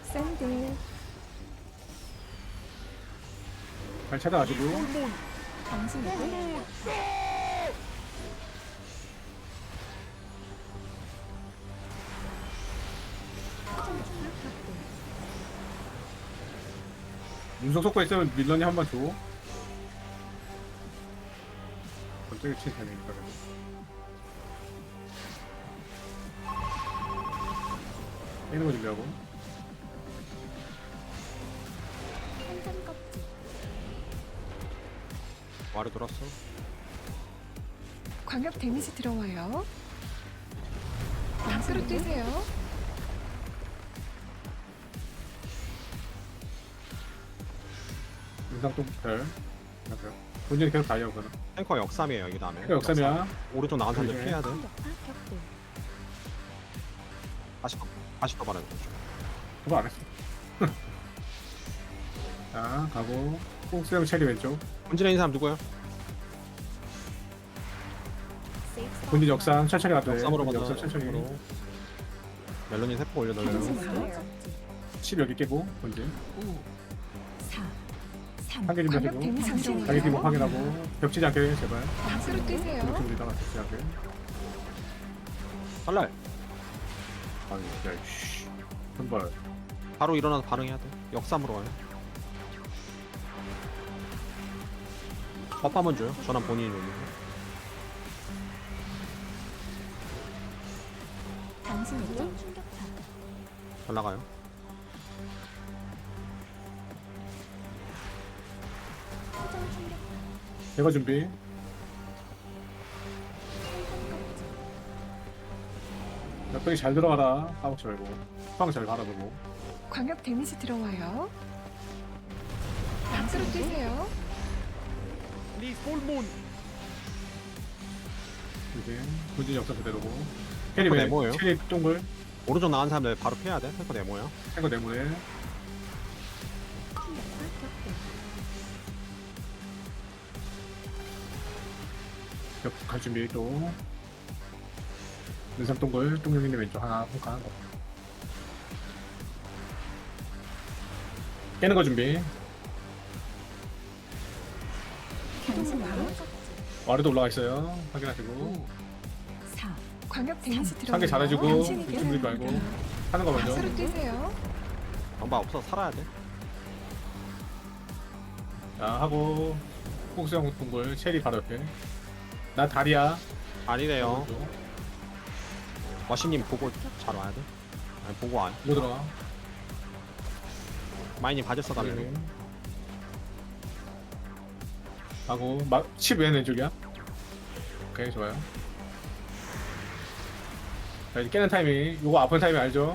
샌드. 잘 찾아가지고. 당신 누구? 운석 속고 있으면 밀런이 한 번 줘. 갑자기 친 타이밍이니까. 깨는 거 준비하고. 한잔 껍질. 와르 돌았어. 광역 데미지 들어와요. 양수로 뛰세요. 인상 또 별. 본전이 계속 다이어 그거는. 탱커 역삼이에요 여기 다음에. 역삼이야. 오른쪽 나간 사람들 그래. 피해야 돼. 역파 격돌. 다시 더 말해. 그거 안 했어. 자, 가고. 꼭 수영 체리 왼쪽. 본진에 있는 사람 누구야? 본진 역삼 천천히 가도 돼. 역삼으로 본진 가자. 역삼 천천히. 역삼으로. 멜론이 세포 올려 당신 넣으려고. 누구? 10 여기 깨고 본진. 4, 3. 한개 준비하시고. 광역 데미지 자기 들어와요. 기록 확인하고. 겹치지 않게 제발. 양수로 뛰세요. 이렇게 우리다가 겹치지 않게. 살랄. 아니, 야, 씨. 한발. 바로 일어나서 반응해야 돼. 역삼으로 가요. 버프 한번 줘요. 전환 본인이 올리고. 당신 누구? 잘 나가요. 제거 준비. 몇병이 잘 들어가라. 까먹지 말고. 빵 잘 바라보고. 광역 데미지 들어와요. 양수로 뛰세요. 이제 본진 역사 그대로고. 캐리 탱커 왜? 네모예요. 캐리 동글. 오른쪽 나간 사람들 바로 피해야 돼. 탱커 네모야. 탱거 네모네. 갈 준비 또. 눈썹 동글. 똥룡이네 왼쪽 하나. 홈카 하나. 깨는 거 준비. 당신 누구? 와르도 올라가 있어요. 확인하시고. 4. 광역 데미지 들어와요. 상계 잘해주고. 당신이 준비 말고. 하는 거 먼저. 양수로 뛰세요. 방법 없어 살아야 돼. 자, 하고. 폭수형 동글. 체리 바로 옆에. 나 다리야. 아니네요. 와시님 보고 잘 와야 돼. 아니 보고 와. 못 들어가. 마이님 바졌어 달래. 하고. 10 왼쪽이야. 오케이, 좋아요. 자, 이제 깨는 타이밍. 요거 아픈 타이밍 알죠?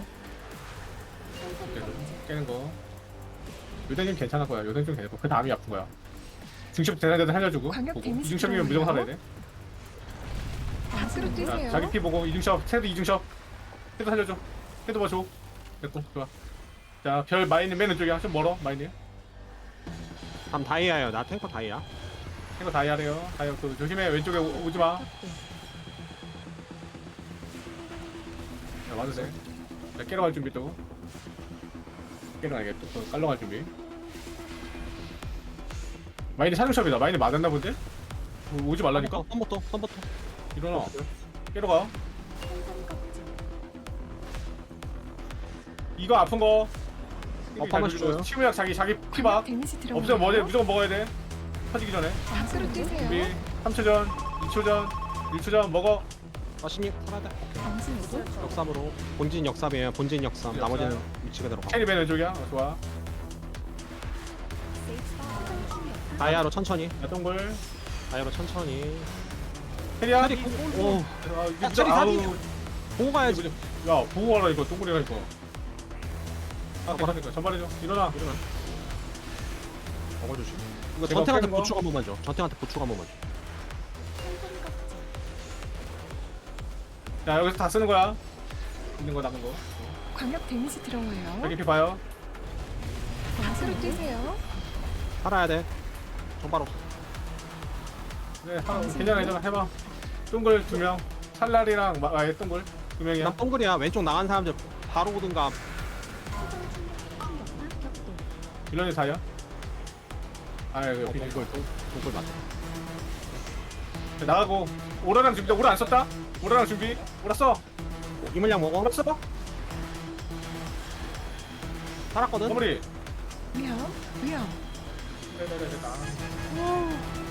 깨는 거. 요새는 괜찮을 거야. 요새는 좀 괜찮고. 그 다음이 아픈 거야. 중첩 대단대단 살려주고. 광역 보고. 데미지 이중첩이면 무조건 살아야 돼. 양수로 자, 뛰세요. 자기 피 보고 이중첩. 테드 이중첩. 테드 살려줘. 테드 봐 줘. 됐고, 좋아. 자, 별 마이는 맨 왼쪽이야. 좀 멀어, 마이는. 다음 다이아예요. 나 탱커 다이아. 이거 다이아래요. 다이아 또 조심해. 왼쪽에 오지 마. 자, 와도 돼. 자, 깨러 갈 준비 또. 깨러 가야겠다. 또 깔러 갈 준비. 마이는 사중첩이다. 마이는 맞았나 본데? 오지 말라니까? 선부터. 일어나. 깨러 가. 이거 아픈 거. 한번 줘요. 치무약 자기 피봐. 광역 데미지 들어와요. 없으면 뭐지? 무조건 먹어야 돼. 터지기 전에. 양수로 뛰세요. 준비. 3초 전, 2초 전, 1초 전 먹어. 와시님 살아야 돼. 당신 누구? 역삼으로. 본진 역삼이에요. 본진 역삼. 나머지는 위치 그대로 가. 캐리맨 왼쪽이야. 좋아. 다이아로 천천히. 야, 동글. 다이아로 천천히. 캐리야. 캐리 오. 아, 이거 야, 캐리 아우. 사비. 보고 가야지. 야, 보호하라 이거 동굴이라 이거. 아, 괜찮으니까 전발해줘. 일어나. 먹어 주시. 이거 제가 전탱한테 빼는 거? 보충 한 번만 줘. 전탱한테 보충 한 번만 줘. 자, 여기서 다 쓰는 거야. 있는 거 나간 거. 광역 데미지 들어와요. 여기 피 봐요. 양수로 뛰세요. 살아야 돼. 정발 없어. 네, 괜찮아, 괜찮아. 해봐. 동글 2명. 찰날이랑 아예 동글 2명이야. 난 동글이야. 왼쪽 나간 사람들 바로 오든가 빌런이 4야. 아이고 동굴 동굴 맞다. 나가고 오라랑 준비. 오라 안 썼다. 오라랑 준비. 오라 써. 이물량 먹어. 오라 써. 살았거든. 마무리. 위험. 위험. 네네네네. 오.